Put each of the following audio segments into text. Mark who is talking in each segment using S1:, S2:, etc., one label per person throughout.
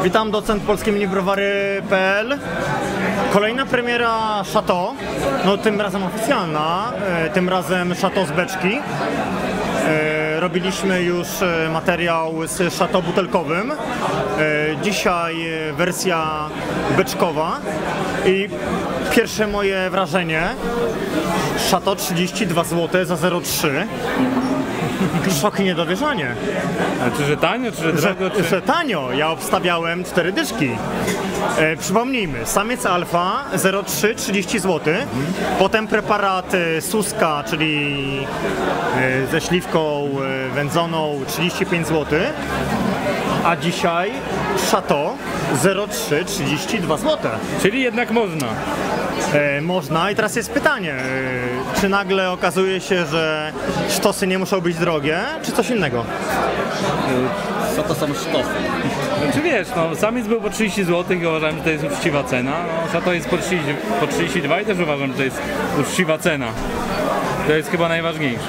S1: Witam, docent polskieminibrowary.pl. Kolejna premiera Chateau, no tym razem oficjalna, tym razem Chateau z beczki. Robiliśmy już materiał z Chateau butelkowym. Dzisiaj wersja beczkowa i pierwsze moje wrażenie: Chateau 32 zł za 0,3. Szok i niedowierzanie.
S2: A czy że tanio, czy że drogo?
S1: Że tanio. Ja obstawiałem 4 dyszki. Przypomnijmy, samiec alfa 0,3 30 zł. Potem preparat Suska, czyli ze śliwką wędzoną 35 zł. A dzisiaj Chateau 0,3 32 zł.
S2: Czyli jednak można.
S1: Można i teraz jest pytanie, czy nagle okazuje się, że sztosy nie muszą być drogie, czy coś innego?
S3: Co to są sztosy?
S2: Czy wiesz, no samiec był po 30 zł i uważam, że to jest uczciwa cena. No, Chateau jest po 32 i też uważam, że to jest uczciwa cena. To jest chyba najważniejsze.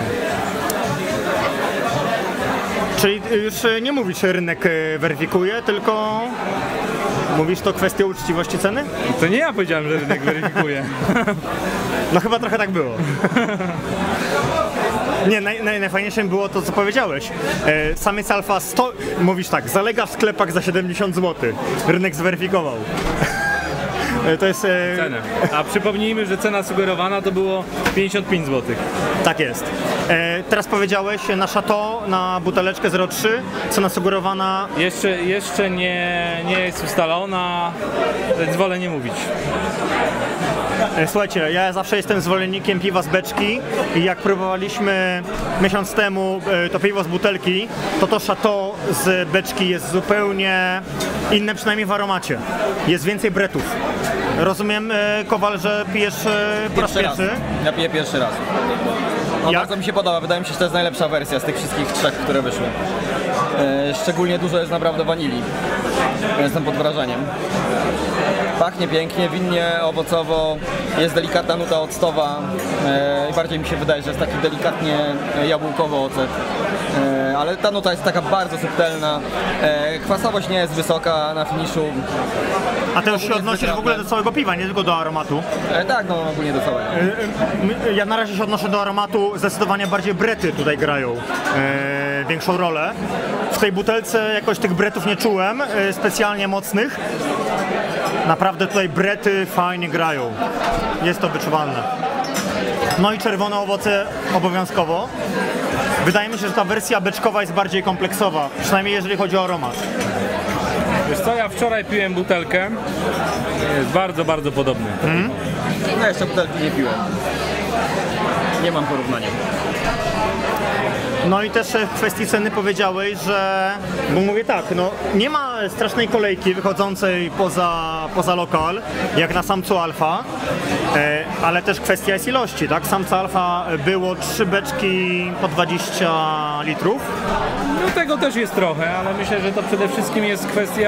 S1: Czyli już nie mówisz, że rynek weryfikuje, tylko mówisz, to kwestia uczciwości ceny?
S2: To nie ja powiedziałem, że rynek weryfikuje.
S1: No chyba trochę tak było. Nie, najfajniejsze było to, co powiedziałeś. Samiec alfa mówisz tak, zalega w sklepach za 70 zł. Rynek zweryfikował. To jest...
S2: Cenę. A przypomnijmy, że cena sugerowana to było 55 zł.
S1: Tak jest. Teraz powiedziałeś na Chateau, na buteleczkę 0,3, cena sugerowana...
S2: Jeszcze nie jest ustalona, więc wolę nie mówić.
S1: Słuchajcie, ja zawsze jestem zwolennikiem piwa z beczki i jak próbowaliśmy miesiąc temu to piwo z butelki, to Chateau z beczki jest zupełnie inne, przynajmniej w aromacie. Jest więcej bretów. Rozumiem, Kowal, że pijesz po raz pierwszy?
S3: Ja piję pierwszy raz. No, bardzo mi się podoba, wydaje mi się, że to jest najlepsza wersja z tych wszystkich trzech, które wyszły. Szczególnie dużo jest naprawdę wanilii. Jestem pod wrażeniem. Pachnie pięknie, winnie, owocowo, jest delikatna nuta octowa i bardziej mi się wydaje, że jest taki delikatnie jabłkowy ocet. Ale ta nuta jest taka bardzo subtelna, kwasowość nie jest wysoka na finiszu.
S1: A ty już się odnosisz w ogóle do całego piwa, nie tylko do aromatu?
S3: Tak, no ogólnie do całego.
S1: Ja na razie się odnoszę do aromatu, zdecydowanie bardziej brety tutaj grają większą rolę. W tej butelce jakoś tych bretów nie czułem, specjalnie mocnych. Naprawdę tutaj brety fajnie grają. Jest to wyczuwalne. No i czerwone owoce obowiązkowo. Wydaje mi się, że ta wersja beczkowa jest bardziej kompleksowa, przynajmniej jeżeli chodzi o aromat.
S2: Wiesz co, ja wczoraj piłem butelkę, jest bardzo, bardzo podobny.
S3: No jeszcze butelki nie piłem. Nie mam porównania.
S1: No i też w kwestii ceny powiedziałeś, że, bo mówię tak, no nie ma strasznej kolejki wychodzącej poza lokal, jak na samcu alfa, ale też kwestia jest ilości, tak? Samca alfa było 3 beczki po 20 litrów.
S2: No tego też jest trochę, ale myślę, że to przede wszystkim jest kwestia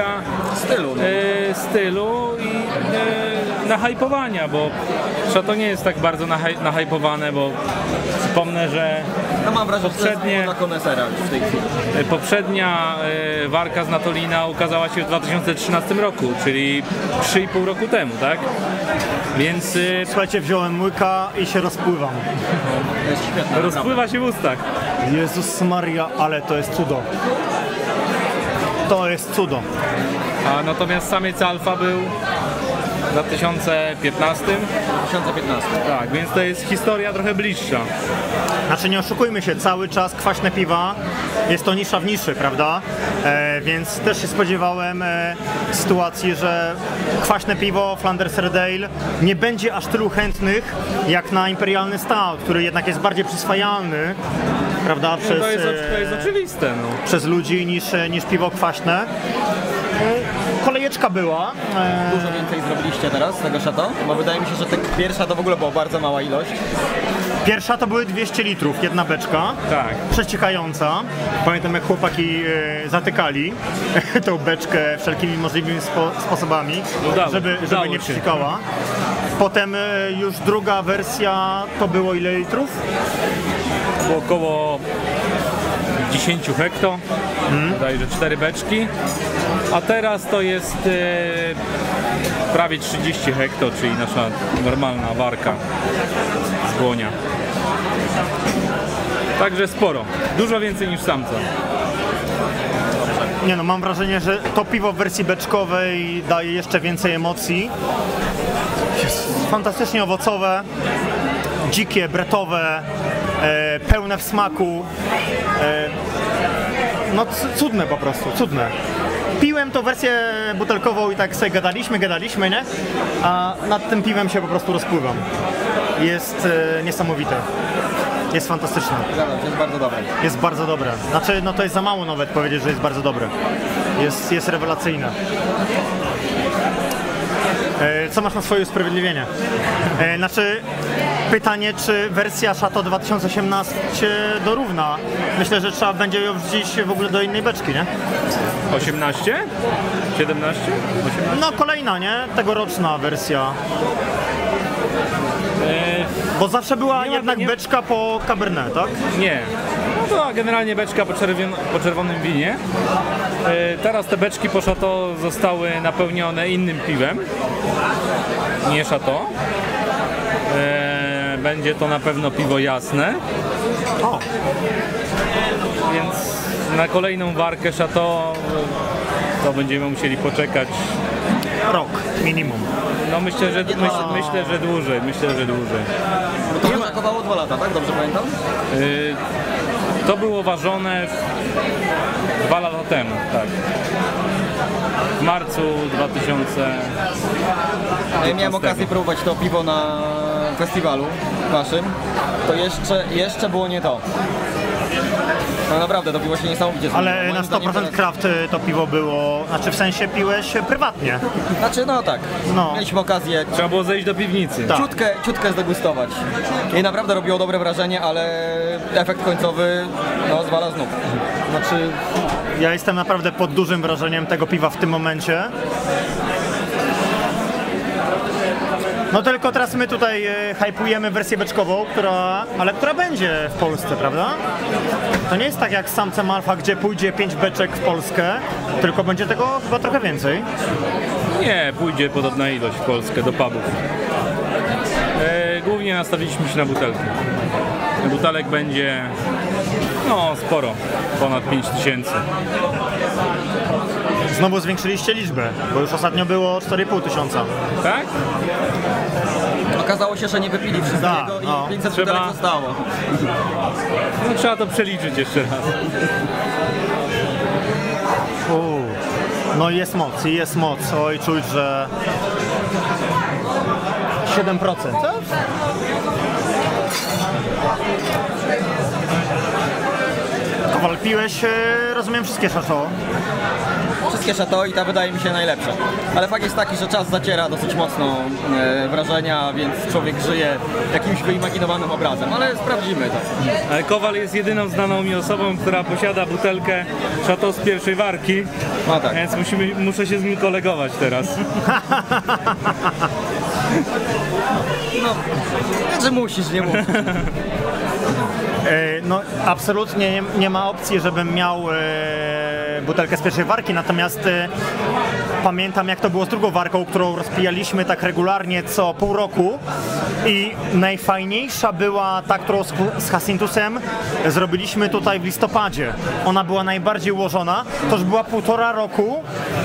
S2: stylu i nahypowania, bo Chateau nie jest tak bardzo nahypowane, bo przypomnę, że
S3: No mam wrażenie, że to jest dla konesera już w tej chwili.
S2: poprzednia warka z Natolina ukazała się w 2013 roku, czyli 3,5 roku temu, tak? Więc
S1: Słuchajcie, wziąłem łyka i się rozpływam.
S3: To jest świetne.
S2: rozpływa się w ustach.
S1: Jezus Maria, ale to jest cudo. To jest cudo.
S2: A natomiast samiec alfa był w 2015.
S3: 2015.
S2: Tak, więc to jest historia trochę bliższa.
S1: Znaczy nie oszukujmy się, cały czas kwaśne piwa jest to nisza w niszy, prawda? Więc też się spodziewałem sytuacji, że kwaśne piwo Flanders Red Ale nie będzie aż tylu chętnych jak na imperialny stout, który jednak jest bardziej przyswajalny, prawda? Przez,
S2: To jest oczywiste. No.
S1: przez ludzi niż piwo kwaśne. Kolejeczka była.
S3: Dużo więcej zrobiliście teraz z tego Chateau? Bo wydaje mi się, że pierwsza to w ogóle była bardzo mała ilość.
S1: Pierwsza to były 200 litrów, jedna beczka.
S2: Tak.
S1: Przeciekająca. Pamiętam, jak chłopaki zatykali tą beczkę wszelkimi możliwymi sposobami, żeby nie przeciekała. Potem już druga wersja to było ile litrów?
S2: Było około 10 hekto. bodajże 4 beczki, a teraz to jest prawie 30 hekto, czyli nasza normalna warka z błonia. Także sporo, dużo więcej niż samca.
S1: Nie no, mam wrażenie, że to piwo w wersji beczkowej daje jeszcze więcej emocji. Jest fantastycznie owocowe, dzikie, bretowe, pełne w smaku. No cudne po prostu, cudne. Piłem tą wersję butelkową i tak sobie gadaliśmy, nie? A nad tym piwem się po prostu rozpływam. Jest niesamowite. Jest fantastyczne.
S3: Jest bardzo dobre.
S1: Jest bardzo dobre. Znaczy, no to jest za mało nawet powiedzieć, że jest bardzo dobre. Jest rewelacyjne. Co masz na swoje usprawiedliwienie? Znaczy, pytanie, czy wersja Chateau 2018 dorówna? Myślę, że trzeba będzie ją wrzucić w ogóle do innej beczki, nie?
S2: 18? 17? 18?
S1: No kolejna, nie? Tegoroczna wersja. Bo zawsze była
S2: nie ma-
S1: jednak
S2: nie-
S1: beczka po Cabernet, tak?
S2: Nie. No to generalnie beczka po czerwonym winie. Teraz te beczki po Chateau zostały napełnione innym piwem, nie Chateau. Będzie to na pewno piwo jasne,
S1: O,
S2: więc na kolejną warkę Chateau to będziemy musieli poczekać.
S1: rok minimum.
S2: No myślę, że dłużej.
S3: Bo to brakowało 2 lata, tak? Dobrze pamiętam?
S2: To było ważone 2 lata temu, tak. W marcu 2000.
S3: Ja miałem okazję próbować to piwo na festiwalu naszym. To jeszcze było nie to. No naprawdę, to piwo się niesamowicie zmieniło.
S1: Ale na
S3: Moim zdaniem
S1: 100%
S3: teraz-
S1: kraft to piwo było, znaczy w sensie piłeś prywatnie.
S3: Znaczy, no tak.
S1: No.
S3: Mieliśmy okazję
S2: Trzeba było zejść do piwnicy.
S1: Tak.
S3: ciutkę zdegustować. I naprawdę robiło dobre wrażenie, ale efekt końcowy no, zwala z nóg. Znaczy,
S1: Ja jestem naprawdę pod dużym wrażeniem tego piwa w tym momencie. No tylko teraz my tutaj hypujemy wersję beczkową, która będzie w Polsce, prawda? To nie jest tak jak z samcem alfa, gdzie pójdzie 5 beczek w Polskę, tylko będzie tego chyba trochę więcej.
S2: Nie, pójdzie podobna ilość w Polskę do pubów. Głównie nastawiliśmy się na butelki. Butelek będzie no sporo, ponad 5000.
S1: Znowu zwiększyliście liczbę, bo już ostatnio było 4,5 tysiąca.
S2: Tak?
S3: okazało się, że nie wypili wszystkiego
S1: Da, no.
S3: i 500
S2: Trzeba-
S3: butelek zostało.
S2: No, trzeba to przeliczyć jeszcze raz.
S1: No jest moc. Oj, czuć, że 7%. Co? Kowal, piłeś, rozumiem, wszystkie Chateau.
S3: Wszystkie Chateau i ta wydaje mi się najlepsza. Ale fakt jest taki, że czas zaciera dosyć mocno wrażenia, więc człowiek żyje jakimś wyimaginowanym obrazem, ale sprawdzimy to.
S2: Ale Kowal jest jedyną znaną mi osobą, która posiada butelkę Chateau z pierwszej warki,
S3: No tak.
S2: więc muszę się z nim kolegować teraz.
S3: No, że musisz, nie musisz.
S1: No absolutnie nie ma opcji, żebym miał butelkę z pierwszej warki, natomiast pamiętam, jak to było z drugą warką, którą rozpijaliśmy tak regularnie co pół roku i najfajniejsza była ta, którą z Jacintusem zrobiliśmy tutaj w listopadzie. Ona była najbardziej ułożona, to już była 1,5 roku,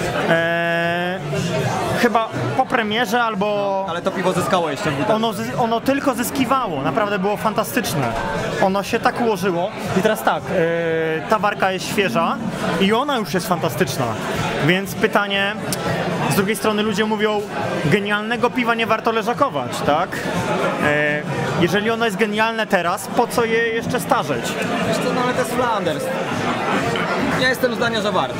S1: chyba po premierze albo...
S3: Ale to piwo zyskało jeszcze w butelce.
S1: Ono tylko zyskiwało, naprawdę było fantastyczne. Ono się tak ułożyło i teraz tak, ta warka jest świeża i ona już jest fantastyczna. Więc pytanie, z drugiej strony ludzie mówią, genialnego piwa nie warto leżakować, tak? Jeżeli ono jest genialne teraz, po co je jeszcze starzeć?
S3: Wiesz co, no ale to jest Flanders. Ja jestem zdania, że warto.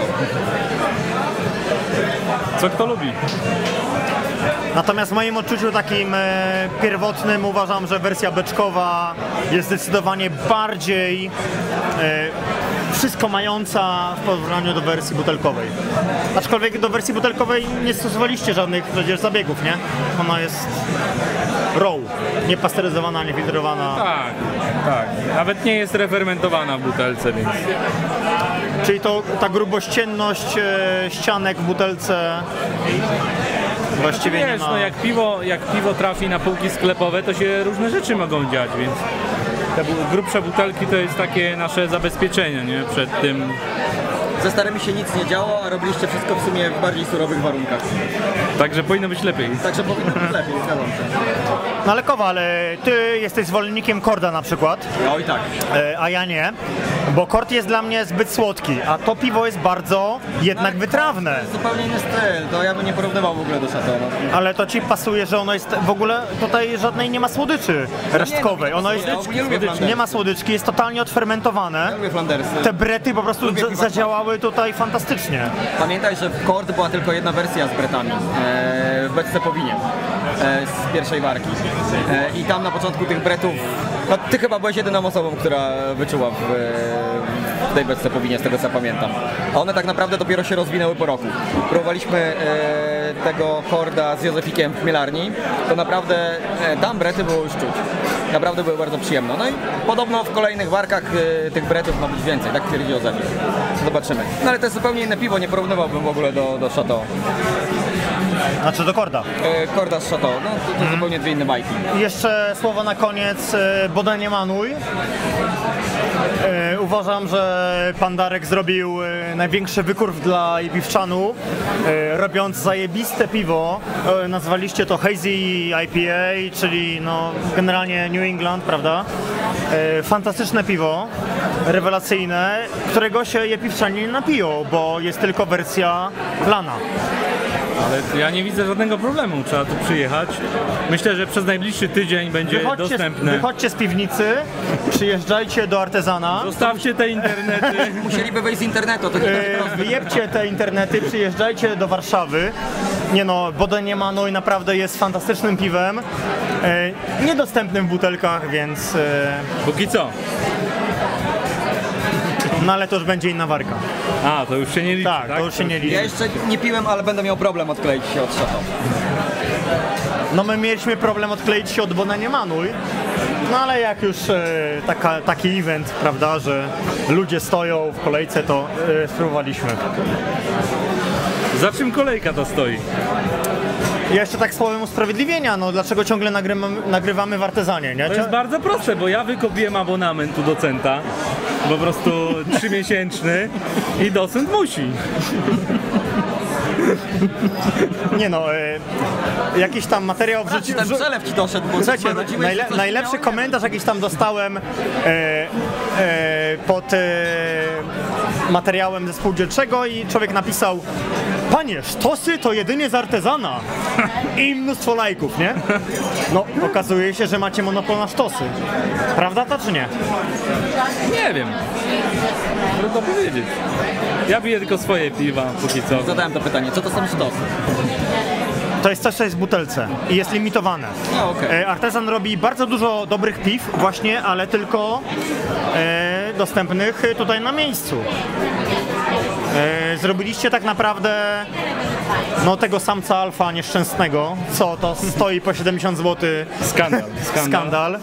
S2: Co kto lubi?
S1: Natomiast w moim odczuciu takim pierwotnym uważam, że wersja beczkowa jest zdecydowanie bardziej wszystko mająca w porównaniu do wersji butelkowej. Aczkolwiek do wersji butelkowej nie stosowaliście żadnych przecież zabiegów, nie? Ona jest raw, niepasteryzowana, niefiltrowana.
S2: Tak, tak. Nawet nie jest refermentowana w butelce, więc...
S1: Czyli to ta grubościenność ścianek w butelce właściwie nie
S2: Wiesz,
S1: ma...
S2: no jak piwo trafi na półki sklepowe, to się różne rzeczy mogą dziać, więc te grubsze butelki to jest takie nasze zabezpieczenie, nie? Przed tym.
S3: Ze starymi się nic nie działo, a robiliście wszystko w sumie w bardziej surowych warunkach.
S2: Także powinno być lepiej.
S3: Także powinno być lepiej, zgadzam się.
S1: No ale Kowal, ty jesteś zwolennikiem korda na przykład,
S3: Oj tak.
S1: a ja nie, bo kord jest dla mnie zbyt słodki, a to piwo jest bardzo jednak wytrawne.
S3: Zupełnie inny styl, to ja bym nie porównywał w ogóle do Chateau.
S1: Ale to ci pasuje, że ono jest w ogóle tutaj żadnej nie ma słodyczy resztkowej. Ono jest,
S3: Ja ogólnie lubię Flandersy.
S1: nie ma słodyczki, jest totalnie odfermentowane.
S3: Ja lubię Flandersy.
S1: Te brety po prostu
S3: Lubię piwa
S1: zadziałały tutaj fantastycznie.
S3: Pamiętaj, że w Kord była tylko jedna wersja z bretami w beczce po winie z pierwszej warki. I tam na początku tych bretów, no ty chyba byłeś jedyną osobą, która wyczuła w tej beczce po winie, z tego co pamiętam. A one tak naprawdę dopiero się rozwinęły po roku. Próbowaliśmy tego Korda z Józefikiem w chmielarni, to naprawdę tam brety było już czuć. Naprawdę były bardzo przyjemne. No i podobno w kolejnych warkach tych bretów ma być więcej, tak twierdzi Józefik. Zobaczymy. No ale to jest zupełnie inne piwo, nie porównywałbym w ogóle do Chateau.
S1: Znaczy do korda.
S3: Korda z Chateau, no to zupełnie dwie inne bajki.
S1: I jeszcze słowo na koniec, Boda nie manuj. Uważam, że pan Darek zrobił największy wykurw dla piwczanu, robiąc zajebiste piwo. Nazwaliście to Hazy IPA, czyli no generalnie New England, prawda? Fantastyczne piwo, rewelacyjne, którego się piwczanie nie napiją, bo jest tylko wersja lana.
S2: Ale ja nie widzę żadnego problemu, trzeba tu przyjechać. Myślę, że przez najbliższy tydzień będzie dostępne.
S1: Wychodźcie z piwnicy, przyjeżdżajcie do Artezana.
S2: Zostawcie te internety.
S3: Musieliby wejść z internetu, to nie będzie proste.
S1: Wyjebcie te internety, przyjeżdżajcie do Warszawy. Nie no, Boda nie manuj, naprawdę jest fantastycznym piwem. Niedostępnym w butelkach, więc...
S2: Póki co.
S1: No ale to już będzie inna warka.
S2: A, to już się nie liczy,
S1: Tak,
S2: tak?
S1: to już się nie liczy.
S3: Ja jeszcze nie piłem, ale będę miał problem odkleić się od Chateau.
S1: No my mieliśmy problem odkleić się od Boda nie manuj. No ale jak już taki event, prawda, że ludzie stoją w kolejce, to spróbowaliśmy.
S2: Za czym kolejka to stoi?
S1: I jeszcze tak słowem usprawiedliwienia, no dlaczego ciągle nagrywamy w Artezanie, nie?
S2: To jest bardzo proste, bo ja wykupiłem abonament u docenta, po prostu 3-miesięczny i docent musi.
S1: Nie no, jakiś tam materiał wrzucił.
S3: Ten przelew ci doszedł, bo
S1: Słuchajcie,
S3: rodziłeś, że coś
S1: najlepszy
S3: miało,
S1: komentarz jakiś tam dostałem pod materiałem ze spółdzielczego i człowiek napisał: panie, sztosy to jedynie z Artezana. I mnóstwo lajków, nie? No, okazuje się, że macie monopol na sztosy. Prawda to czy nie?
S2: Nie wiem. Trudno powiedzieć. Ja piję tylko swoje piwa, póki co.
S3: Zadałem to pytanie, co to są sztosy?
S1: To jest coś, co jest w butelce i jest limitowane.
S3: No, okej.
S1: Artezan robi bardzo dużo dobrych piw właśnie, ale tylko dostępnych tutaj na miejscu. Zrobiliście tak naprawdę no tego samca alfa nieszczęsnego, co to stoi po 70 zł.
S2: Skandal.
S1: Skandal.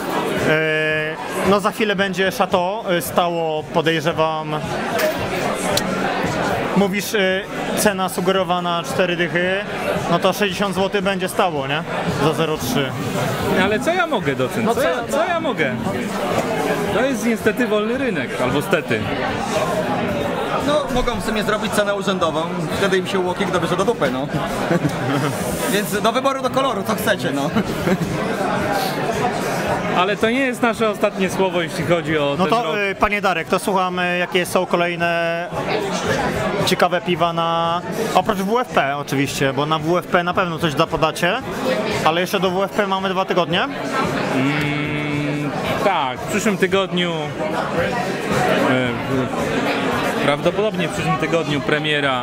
S1: No za chwilę będzie Chateau stało, podejrzewam. Mówisz cena sugerowana 4 dychy, no to 60 zł będzie stało, nie? Za 0,3.
S2: Ale co ja mogę, docent?
S1: No
S2: Co ja mogę? To jest niestety wolny rynek, albo stety.
S3: No, mogą w sumie zrobić cenę urzędową, wtedy im się UOKiK dobierze do dupy, no. Więc do wyboru, do koloru, co chcecie, no.
S2: Ale to nie jest nasze ostatnie słowo, jeśli chodzi o
S1: No
S2: ten
S1: to
S2: rok.
S1: panie Darek, to słucham, jakie są kolejne ciekawe piwa na... Oprócz WFP oczywiście, bo na WFP na pewno coś podacie, ale jeszcze do WFP mamy 2 tygodnie.
S2: Tak, w przyszłym tygodniu, prawdopodobnie w przyszłym tygodniu premiera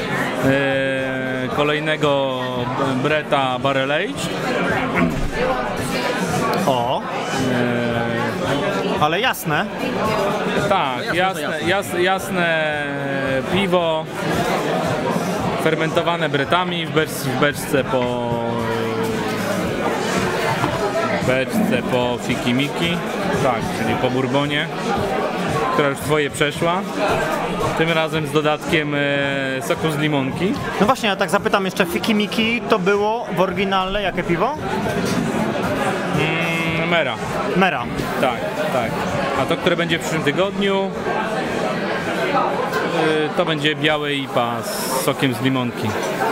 S2: kolejnego Breta Barrel Age.
S1: O! ale jasne.
S2: Tak, jasne piwo, fermentowane bretami w beczce po fikimiki, tak, czyli po bourbonie, która już twoje przeszła. Tym razem z dodatkiem soku z limonki.
S1: No właśnie, ja tak zapytam jeszcze, fikimiki to było w oryginale jakie piwo?
S2: Mera.
S1: Mera.
S2: Tak, tak. A to, które będzie w przyszłym tygodniu, to będzie białe IPA z sokiem z limonki.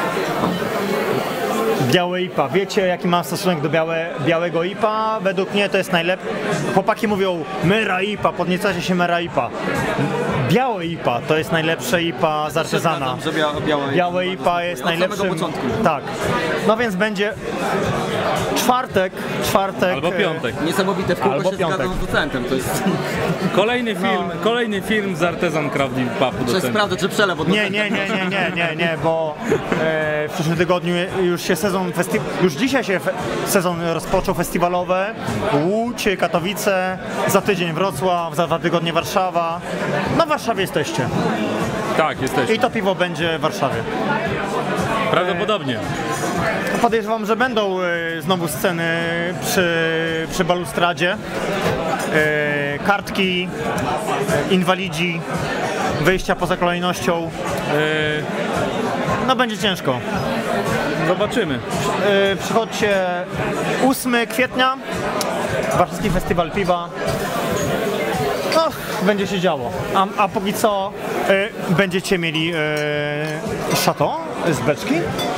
S1: Białe IPA. Wiecie, jaki mam stosunek do białego IPA? Według mnie to jest najlepsze. Chłopaki mówią Mera IPA, podniecacie się Mera IPA. Białe IPA to jest najlepsze IPA z artezana. Białe IPA jest najlepszym. Tak. No więc będzie czwartek.
S2: Albo piątek.
S3: Niesamowite, w kółko
S1: Albo
S3: się
S1: piątek.
S3: zgadzam z docentem. To jest...
S2: Kolejny film z artezan Crafting Pubu.
S3: Muszę sprawdzać, czy przelew od
S1: Nie, bo w przyszłym tygodniu już się już dzisiaj się sezon rozpoczął festiwalowy. Łódź, Katowice, za tydzień Wrocław, za 2 tygodnie Warszawa. No w Warszawie jesteście.
S2: Tak, jesteśmy.
S1: I to piwo będzie w Warszawie.
S2: Prawdopodobnie.
S1: Podejrzewam, że będą znowu sceny przy balustradzie. Kartki, inwalidzi, wyjścia poza kolejnością. No będzie ciężko.
S2: Zobaczymy.
S1: Przychodźcie 8 kwietnia, Warszawski Festiwal Piwa. No, będzie się działo. A póki co będziecie mieli Chateau z beczki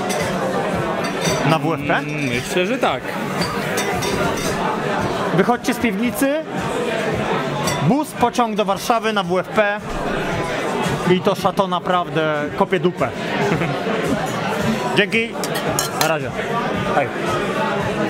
S1: na WFP.
S2: Myślę, że tak.
S1: Wychodźcie z piwnicy, bus, pociąg do Warszawy na WFP i to Chateau naprawdę kopie dupę. Dzięki, na razie. Hej.